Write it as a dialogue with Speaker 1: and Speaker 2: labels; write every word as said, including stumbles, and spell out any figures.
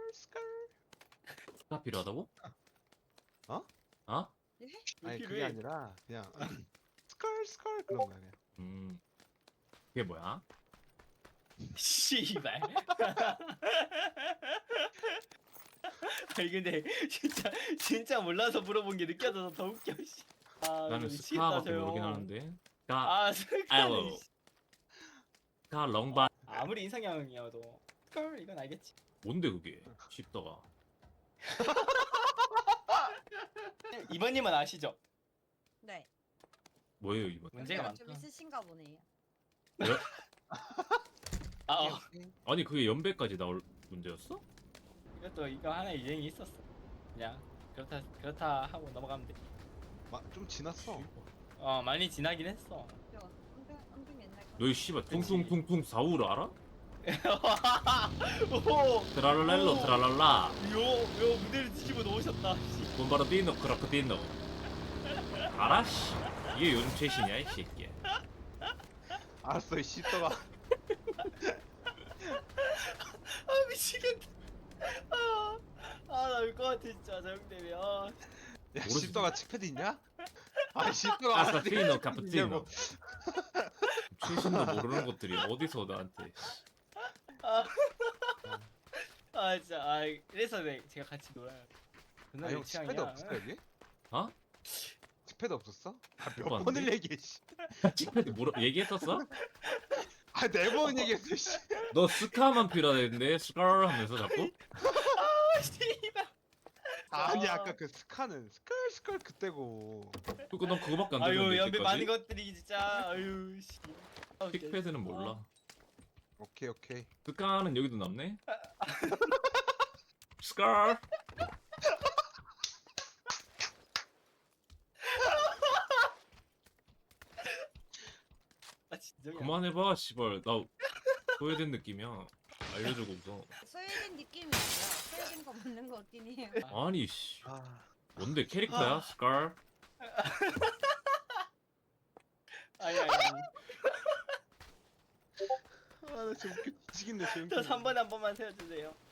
Speaker 1: 스컬.
Speaker 2: 가 필요하다고?
Speaker 1: 어?
Speaker 2: 어?
Speaker 3: 예?
Speaker 1: 아니
Speaker 4: 필요해.
Speaker 1: 그게 아니라 그냥 스컬 스컬 그런 거 아니야.
Speaker 2: 음. 그게 뭐야?
Speaker 4: 씨발. 아니 근데 진짜 진짜 몰라서 물어본 게 느껴져서 더 웃겨. 씨. 아,
Speaker 2: 나는
Speaker 4: 미치겠다,
Speaker 2: 스카밖에
Speaker 4: 저 형.
Speaker 2: 모르긴 하는데. 가,
Speaker 4: 아, 스카는
Speaker 2: 아이고.
Speaker 4: 씨.
Speaker 2: 가 렁바.
Speaker 4: 아무리 인상형이어도 스컬 이건 알겠지.
Speaker 2: 뭔데 그게? 쉽다가.
Speaker 4: 이번님은 아시죠?
Speaker 3: 네.
Speaker 2: 뭐예요 이번?
Speaker 4: 문제가
Speaker 3: 연배가 좀
Speaker 4: 많다.
Speaker 3: 있으신가 보네요.
Speaker 4: 아, 어.
Speaker 2: 아니 그게 연배까지 나올 문제였어?
Speaker 4: 이것도 이거 하나 유행이 있었어. 그냥 그렇다 그렇다 하고 넘어가면 돼.
Speaker 1: 좀 지났어.
Speaker 4: 어, 많이 지나긴 했어.
Speaker 3: 저 엄청 엄청 옛날 거.
Speaker 2: 너희 씨발 퉁퉁퉁퉁 사우를 알아?
Speaker 4: 오,
Speaker 2: 트랄랄렐로
Speaker 4: 오.
Speaker 2: 트랄랄라.
Speaker 4: 요, 요 무대를 뒤집어 놓으셨다. 씨.
Speaker 2: 본바르디노 크라크디노. 알아? 씨. 이게 요즘 최신이야 이 새끼.
Speaker 1: 알았어 이 씨떡아.
Speaker 4: 아, 미치겠다. 아, 아, 나 울 것 같아 진짜 저 형 때문에. 아,
Speaker 1: 야
Speaker 2: 모르지.
Speaker 1: 씨떡아 칙패드 있냐? 아 씨떡아.
Speaker 2: 카푸치노 카푸치노. 최신도 모르는 것들이 어디서 나한테.
Speaker 4: 아, 아 진짜. 아, 그래서 내 제가 같이 놀아요. 존나
Speaker 1: 아형
Speaker 4: 내
Speaker 1: 칙패드
Speaker 4: 취향이야.
Speaker 1: 없었어 여기?
Speaker 2: 어?
Speaker 1: 칙패드 없었어? 아, 몇
Speaker 2: 없었는데?
Speaker 1: 번을 얘기해 씨.
Speaker 2: 칙패드 뭐라 얘기했었어?
Speaker 1: 아네 번 얘기했어 씨.
Speaker 2: 너 스카만 필요하다는데 스컬 하면서 자꾸?
Speaker 4: 아, 씨발.
Speaker 1: 아니
Speaker 4: 아.
Speaker 1: 아까 그 스카는 스컬 스컬 그때고.
Speaker 2: 그거 너 그거밖에 안
Speaker 4: 아유,
Speaker 2: 들렸는데
Speaker 4: 연배 많은
Speaker 2: 이때까지?
Speaker 4: 것들이 진짜. 아유, 씨. 아, 웃겨.
Speaker 2: 픽패드는 몰라.
Speaker 1: 오케이 오케이.
Speaker 2: 스카는 여기도 남네? 스컬!
Speaker 4: 아, 진정이야.
Speaker 2: 그만해봐 씨발 나 소외된 느낌이야. 알려주고 웃어.
Speaker 3: 소외된 느낌이 아니라 소외된 거 맞는 거 같긴 해요.
Speaker 2: 아니 씨
Speaker 1: 아.
Speaker 2: 뭔데 캐릭터야 스컬?
Speaker 4: 아니 아니. 아니.
Speaker 1: 아나 진짜 웃겨. 지겠네 저 형.
Speaker 4: 저 삼 번에 한 번만 세워주세요.